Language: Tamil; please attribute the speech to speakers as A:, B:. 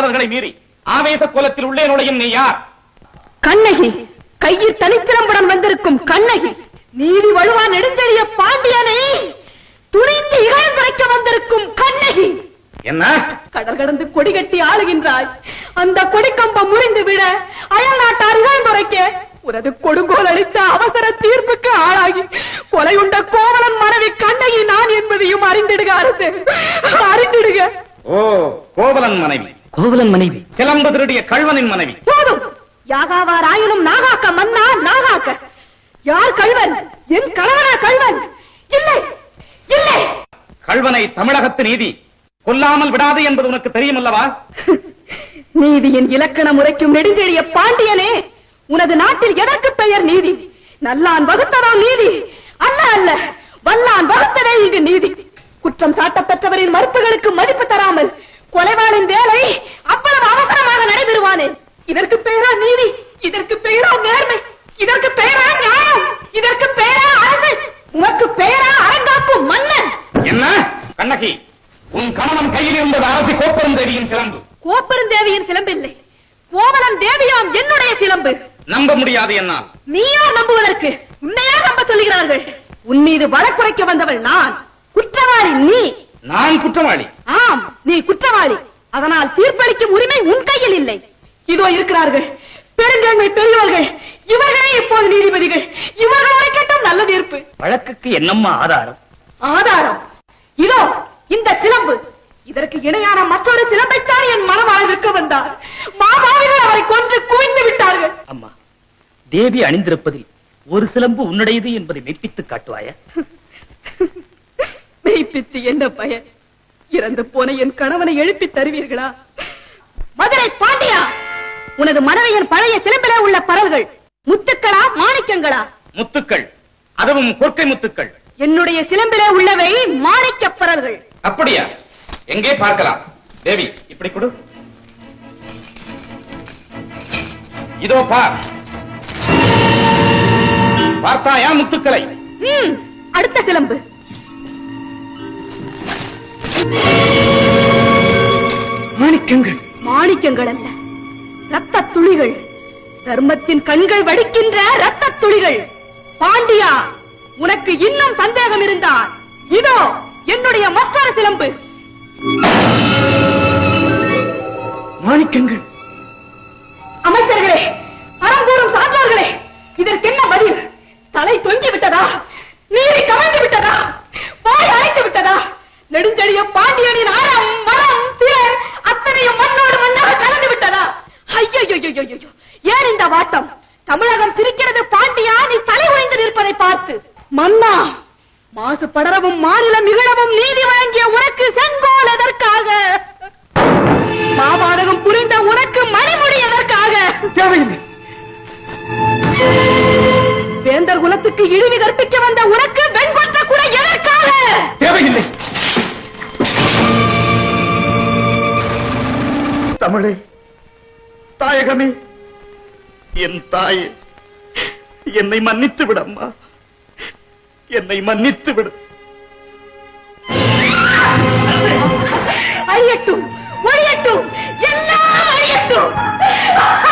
A: மரபுகளை மீறி ஆவேச கோலத்தில் உள்ளே நுழையும் நீ யார்?
B: கண்ணகி, கையில் தனித்திறம்புடன் வந்திருக்கும் கண்ணகி. நீதி வலுவா நெடுஞ்செழிய பாண்டியனை துணிந்து இகழ்ந்துரைக்க வந்திருக்கும் கண்ணகி.
A: என்ன?
B: கடல் கடந்து கொடி கட்டி ஆளுகின்றாய். அந்த கொடிக்கம்பம் முறிந்து விட அயல் நாட்டார் இகழ்ந்துரைக்க உனது கொடுங்கோல் அளித்த அவசர தீர்ப்புக்கு ஆளாகி கொலையுண்ட கோவலன் மனைவி கண்ணகி நான் என்பதையும் அறிந்திடுக அரசு, அறிந்திடுக.
A: ஓ, கோவலன் மனைவி.
C: கோவலன் மனைவி,
A: சிலம்பு திருடிய கள்வனின் மனைவி.
B: போதும். யாகாவார் ஆயினும் நாகாக்க மன்னா, நாகாக்க. யார் கள்வன்? என் கணவனா கள்வன்? இல்லை, இல்லை.
A: கள்வனை தமிழகத்து நீதி கொல்லாமல் விடாது என்பது உனக்கு தெரியும் அல்லவா?
B: நீதியின் இலக்கண முறைக்கும் நெடுஞ்செழிய பாண்டியனே, உனது நாட்டில் எதற்கு பெயர் நீதி? நல்லான் வகுத்ததா நீதி? அல்ல அல்ல, வல்லான் வகுத்ததே இங்கு நீதி. குற்றம் சாட்டப்பெற்றவரின் மறுப்புகளுக்கு மதிப்பு தராமல் கொலைவாளின் வேலை அவ்வளவு அவசரமாக நடைபெறுவானே, இதற்கு பெயரா நீதி? இதற்கு பெயரா நேர்மை? இதற்கு பெயரா நியாயம்? இதற்கு பெயரா அரசு? உனக்கு பெயரா அரங்காக்கும் மன்னன்?
A: என்ன கண்ணகி, உன் கணவன் கையில் இருந்தது அரசி கோப்பெருந்தேவியின் சிலம்பு.
B: கோப்பெருந்தேவியின் சிலம்பு இல்லை, கோவலன் தேவியாம் என்னுடைய சிலம்பு.
A: நம்ப முடியாது என்னால்.
B: நீ யார் நம்புவதற்கு? உன்னையா நம்ப சொல்லுகிறார்கள்? உன் மீது வழக்குரைக்க வந்தவள் நான், குற்றவாளி நீ.
A: நான் குற்றவாளி?
B: ஆம், நீ குற்றவாளி. அதனால் தீர்ப்பளிக்கும் உரிமை உன் கையில் இல்லை. இதோ இருக்கிறார்கள் பெருங்கண்மை பெரியவர்கள், இவர்களே இப்போது நீதிபதிகள். இவர்கள் உரைக்கட்டும் நல்ல தீர்ப்பு.
C: வழக்குக்கு என்னம்மா ஆதாரம்?
B: ஆதாரம் இதோ இந்த சிலம்பு. இதற்கு இணையான மற்றொரு சிலம்பைத்தான் என் மனவாள் விற்க வந்தார். மாமாவிகள் அவரை கொன்று குவிந்து விட்டார்கள்.
C: அம்மா, தேவி அணிந்திருப்பதில் ஒரு சிலம்பு உன்னுடையது என்பதை மெய்ப்பித்து காட்டுவாயா?
B: மெய்ப்பித்து என்ன பயன்? இறந்து போன என் கணவனை எழுப்பி தருவீர்களா? மதுரை பாண்டியா, உனது மனைவியின் பழைய சிலம்பிலே உள்ள பரல்கள் முத்துக்களா மாணிக்கங்களா?
A: முத்துக்கள், அதுவும் கொற்கை முத்துக்கள்.
B: என்னுடைய சிலம்பிலே உள்ளவை மாணிக்க பரல்கள்.
A: அப்படியா? எங்கே பார்க்கலாம்? தேவி, இப்படி கொடு. இதோ பார். பார்த்தாயா முத்துக்களை?
B: அடுத்த சிலம்பு.
C: மாணிக்கங்கள்.
B: மாணிக்கங்கள் அல்ல, ரத்த துளிகள். தர்மத்தின் கண்கள் வடிக்கின்ற ரத்த துளிகள். பாண்டியா, உனக்கு இன்னும் சந்தேகம் இருந்தால் இதோ என்னுடைய மற்றொரு சிலம்பு.
C: மாணிக்கங்கள்.
B: அமைச்சர்களே, அறங்கூறும் சான்றோர்களே, இதற்கு என்ன பதில்? தலை தொங்கி விட்டதா? நீரை கவிழ்ந்து விட்டதா? வாய் அழைத்து விட்டதா? நெடுஞ்செழிய பாண்டியனின் அறம் மரம் திறன் அத்தனையும் மண்ணோடு மண்ணாக கலந்து விட்டதா? ஐயோ, ஏன் இந்த வாட்டம்? தமிழகம் சிரிக்கிறது பாண்டியா, நீ தலை உடைந்து நிற்பதை பார்த்து. மன்னா, மாசு படரவும் மாநிலம் நிகழவும் நீதி வழங்கிய உனக்கு செங்கோல் எதற்காக? மாபாதகம் புரிந்த உனக்கு மணிமுடி எதற்காக?
C: தேவையில்லை.
B: வேந்தர் குலத்துக்கு இழிவு கற்பிக்க வந்த உனக்கு வெண்கொற்ற கூட எதற்காக?
A: தேவையில்லை. தமிழே, தாயகமே, என் தாயே, என்னை மன்னித்து விடம்மா, என்னை மன்னித்து விடு.
B: அழியட்டும், ஒழியட்டும், எல்லாம் அழியட்டும்.